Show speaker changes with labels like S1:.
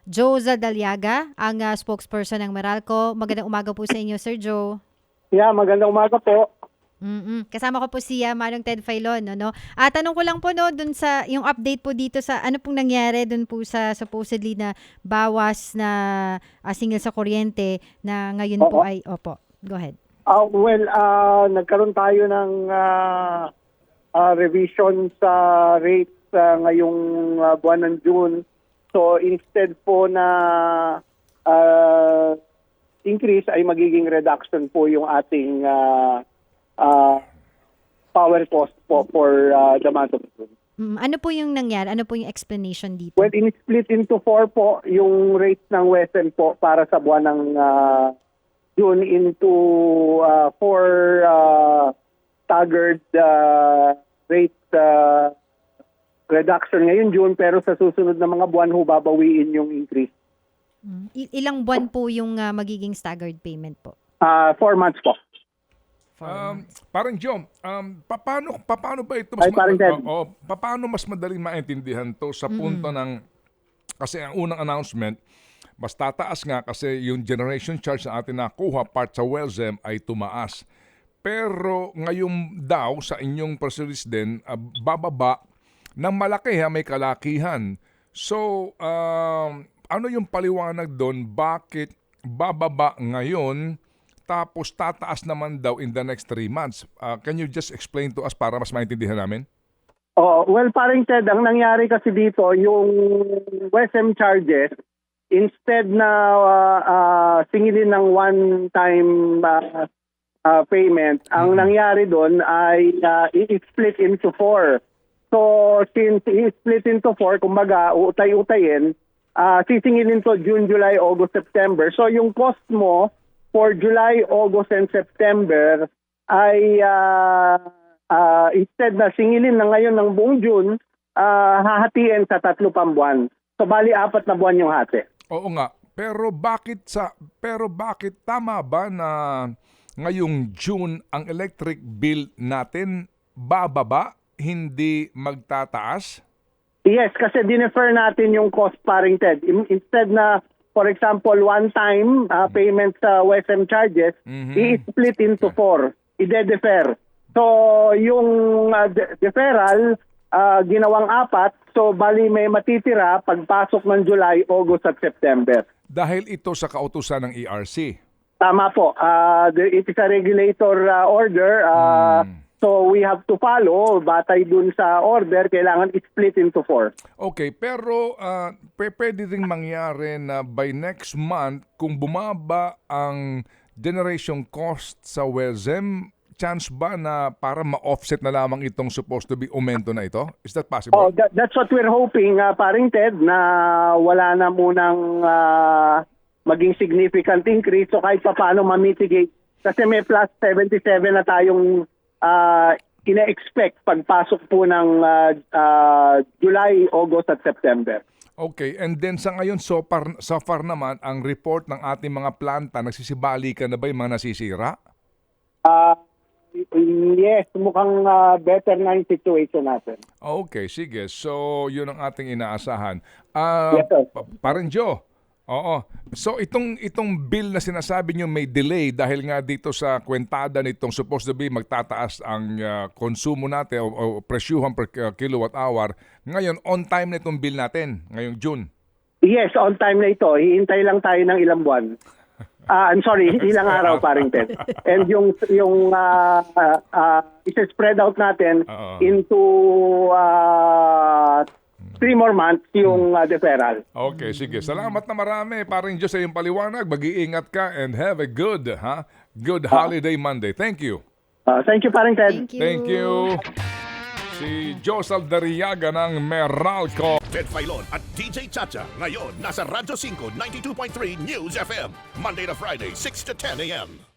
S1: Joe Zadaliaga, ang spokesperson ng Meralco. Magandang umaga po sa inyo, Sir Joe.
S2: Yeah, magandang umaga po.
S1: Kasama ko po si Manong Ted Filon, no? Tanong ko lang po no dun sa yung update po dito sa ano pong nangyari dun po sa supposedly na bawas na singil sa kuryente na ngayon po ay go ahead.
S2: Nagkaroon tayo ng revision sa rates ngayong buwan ng June. So instead po na increase ay magiging reduction po yung ating power cost po for the month of June.
S1: Ano po yung nangyari? Ano po yung explanation dito?
S2: Well, in-split into 4 po yung rates ng Western po para sa buwan ng June into 4 staggered rate reduction ngayon June, pero sa susunod na mga buwan babawiin yung increase.
S1: Ilang buwan po yung magiging staggered payment po?
S2: 4 months po.
S3: Parang Joe, paano ba ito paano mas madaling maintindihan to sa punto ng kasi ang unang announcement mas tataas nga kasi yung generation charge na atin nakuha part sa WELSEM ay tumaas. Pero ngayon daw sa inyong press release din bababa ng malaki may kalakihan. So ano yung paliwanag doon bakit bababa ngayon tapos tataas naman daw in the next 3 months. Can you just explain to us para mas maintindihan namin?
S2: Well, parang Ted, ang nangyari kasi dito, yung WESM charges, instead na singilin ng one-time payment, ang nangyari doon ay i-split into 4. So, since i-split into 4, kumbaga, utay-utayin, sisingilin to June, July, August, September. So, yung cost mo, for July, August, and September ay instead na singilin na ngayon ng buong June, hahatiin sa 3 pang buwan. So bali 4 na buwan yung hati.
S3: Oo nga. Pero bakit tama ba na ngayong June ang electric bill natin bababa, hindi magtataas?
S2: Yes, kasi dinefer natin yung cost, paring Ted. Instead na for example, one-time payment sa WESM charges, i-split into 4. I-defer. So, yung deferral, ginawang 4. So, bali may matitira pagpasok ng July, August at September.
S3: Dahil ito sa kautusan ng ERC.
S2: Tama po. It is a regulator order. So, we have to follow. Batay dun sa order, kailangan i-split into 4.
S3: Okay, pero pwede rin mangyari na by next month, kung bumaba ang generation cost sa WESM, chance ba na para ma-offset na lamang itong supposed to be aumento na ito? Is that possible?
S2: That's what we're hoping, paring Ted, na wala na munang maging significant increase. So, kahit pa paano ma-mitigate. Kasi may plus 77 na tayong ina-expect pagpasok po ng July, August at September.
S3: Okay, and then sa ngayon, so far naman, ang report ng ating mga planta, nagsisibalikan na ba yung mga nasisira?
S2: Yes, mukhang better na yung situation natin.
S3: Okay, sige. So, yun ang ating inaasahan.
S2: Yes, sir.
S3: Parang Joe, oo. So itong bill na sinasabi nyo may delay dahil nga dito sa kwentada nitong supposed to be magtataas ang konsumo natin o presyuhan per kilowatt hour. Ngayon, on time na itong bill natin, ngayong June.
S2: Yes, on time na ito. Hihintay lang tayo ng ilang buwan. I'm sorry, ilang araw, paring Ted. And yung isa-spread out natin into 3 more months yung deferral.
S3: Okay, sige. Salamat na marami. Parang Diyos sa iyong paliwanag. Mag-iingat ka and have a good holiday Monday. Thank you.
S2: Thank you, paring Ted.
S3: Thank you. Si Joe Zadaliaga ng Meralco.
S4: Ted Filon at DJ Chacha. Ngayon, nasa Radyo 5, 92.3 News FM. Monday to Friday, 6 to 10 a.m.